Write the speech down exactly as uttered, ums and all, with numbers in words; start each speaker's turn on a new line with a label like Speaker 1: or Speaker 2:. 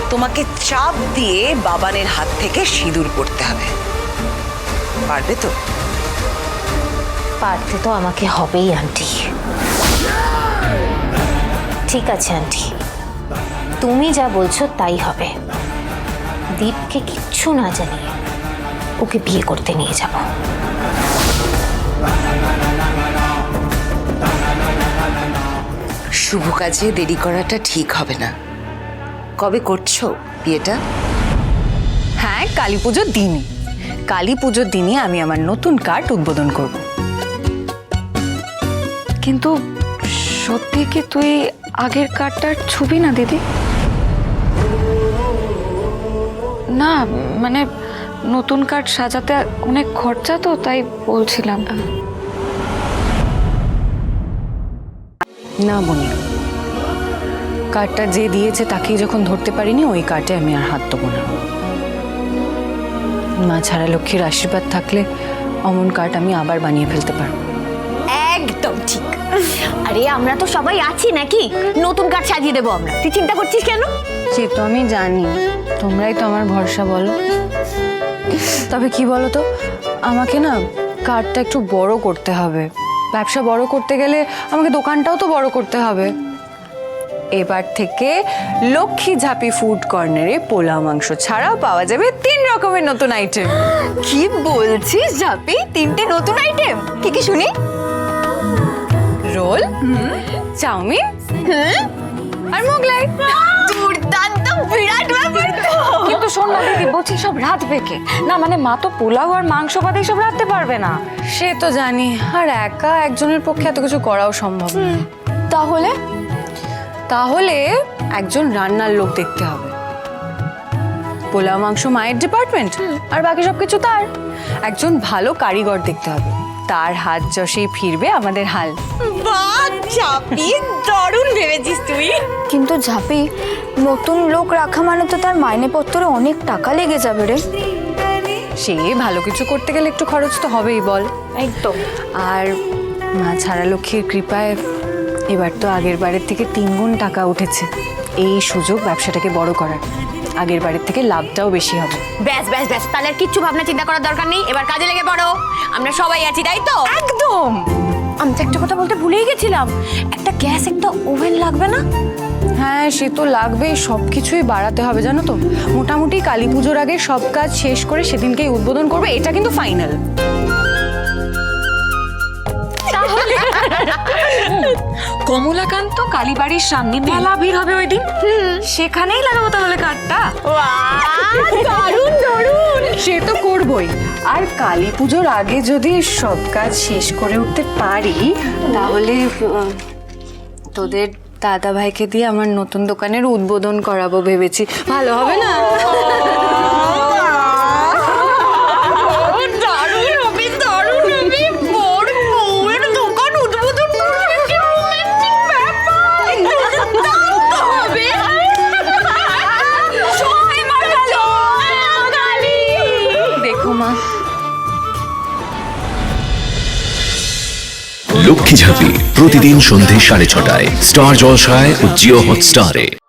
Speaker 1: তোমাকে চাপ দিয়ে বাবানের হাত থেকে সিঁদুর পড়তে হবে। পারবে তো?
Speaker 2: পারতে তো আমাকে হবেই আন্টি। ঠিক আছে আন্টি, তুমি যা বলছো তাই হবে। দীপকে কিচ্ছু না জানিয়ে ওকে বিয়ে করতে নিয়ে যাব।
Speaker 1: শুভ কাজে দেরি করাটা ঠিক হবে না। কবে করছো বিয়েটা?
Speaker 3: হ্যাঁ, কালী পুজোর দিনই। কালী পুজোর দিনই আমি আমার নতুন কার্ড উদ্বোধন করব। কিন্তু সত্যি কি তুই আগের কার্ডটার ছবি না দিদি? না মানে নতুন কার্ড সাজাতে অনেক খরচা তো, তাই বলছিলাম। না বনি, কার্ডটা যে দিয়েছে তাকেই যখন ধরতে পারিনি, ওই কার্ডে আমি আর হাত দেবো না। মা ছাড়া লক্ষ্মীর আশীর্বাদ থাকলে অমন কার্ড আমি আবার বানিয়ে ফেলতে পারবো।
Speaker 2: একদম ঠিক। আরে আমরা তো সবাই আছি নাকি, নতুন কার্ড সাজিয়ে দেবো আমরা। তুই চিন্তা করছিস কেন?
Speaker 3: সে তো আমি জানি, তোমরাই তো আমার ভরসা বলো। তবে কি বলো তো, আমাকে না কার্ডটা একটু বড় করতে হবে। ব্যবসা বড় করতে গেলে আমাকে দোকানটাও তো বড় করতে হবে। এবার থেকে লক্ষ্মী ঝাঁপি ফুড কর্নারে পোলাও মাংস ছাড়াও পাওয়া যাবে তিন রকমের নতুন আইটেম।
Speaker 2: কি বলছিস ঝাপি? তিনটে নতুন আইটেম? কি কি শুনি?
Speaker 3: রোল, চাউমিন আর মোগলাই।
Speaker 2: দুর্দান্ত, বিরাট ব্যাপার তো।
Speaker 4: কিন্তু শোন না দিদি, বলছি সব রাত বেঁকে না, মানে মা তো পোলাও আর মাংস বাদে সব রাখতে পারবে না।
Speaker 3: সে তো জানি, আর একা একজনের পক্ষে এত কিছু করাও সম্ভব না।
Speaker 4: তাহলে
Speaker 3: তাহলে একজন রান্নার লোক দেখতে হবে। পোলাও মাংস মায়ের ডিপার্টমেন্ট, আর বাকি সবকিছু তার। একজন ভালো কারিগর দেখতে হবে, তার হাত যশেই ফিরবে আমাদের হাল।
Speaker 2: বাহ ঝাপি, দারুণ ভেবেছিস তুই।
Speaker 4: কিন্তু ঝাপি, নতুন লোক রাখা মানে তো তার মাইনেপত্রে অনেক টাকা লেগে যাবে রে।
Speaker 3: সে ভালো কিছু করতে গেলে একটু খরচ তো হবেই বল।
Speaker 4: একদম।
Speaker 3: আর মা ছাড়া লক্ষ্মীর কৃপায় এবার তো আগের বারের থেকে তিন গুণ টাকা উঠেছে। এই সুযোগ ব্যবসাটাকে বড় করার, আগের বারের থেকে লাভটাও বেশি হবে।
Speaker 2: ব্যাস ব্যাস ব্যাস, তাহলে আর কিচ্ছু ভাবনা চিন্তা করার দরকার নেই। এবার কাজে লেগে পড়ো, আমরা সবাই আছি, তাই তো?
Speaker 3: একদম।
Speaker 2: আমি তো একটা কথা বলতে ভুলেই গেছিলাম, একটা গ্যাস, একটা ওভেন লাগবে না?
Speaker 3: হ্যাঁ, সে তো লাগবেই। সব কিছুই বাড়াতে হবে জানো তো। মোটামুটি কালী পুজোর আগে সব কাজ শেষ করে সেদিনকেই উদ্বোধন করবে, এটা কিন্তু ফাইনাল।
Speaker 4: কমলাকান্ত কালীবাড়ির সামনে মেলা ভিড় হবে ওই দিন, সেখানেই লাগাবো তাহলে কার্ডটা।
Speaker 2: দারুণ দারুণ।
Speaker 3: সে তো করবই। আর কালী পুজোর আগে যদি সব কাজ শেষ করে উঠতে পারি, তাহলে উম, তোদের দাদা ভাইকে দিয়ে আমার নতুন দোকানের উদ্বোধন করাবো ভেবেছি। ভালো হবে না?
Speaker 5: লক্ষ্মী ঝাঁপি প্রতিদিন সন্ধে সাড়ে ছটায় স্টার জলসায় ও জিও হটস্টারে।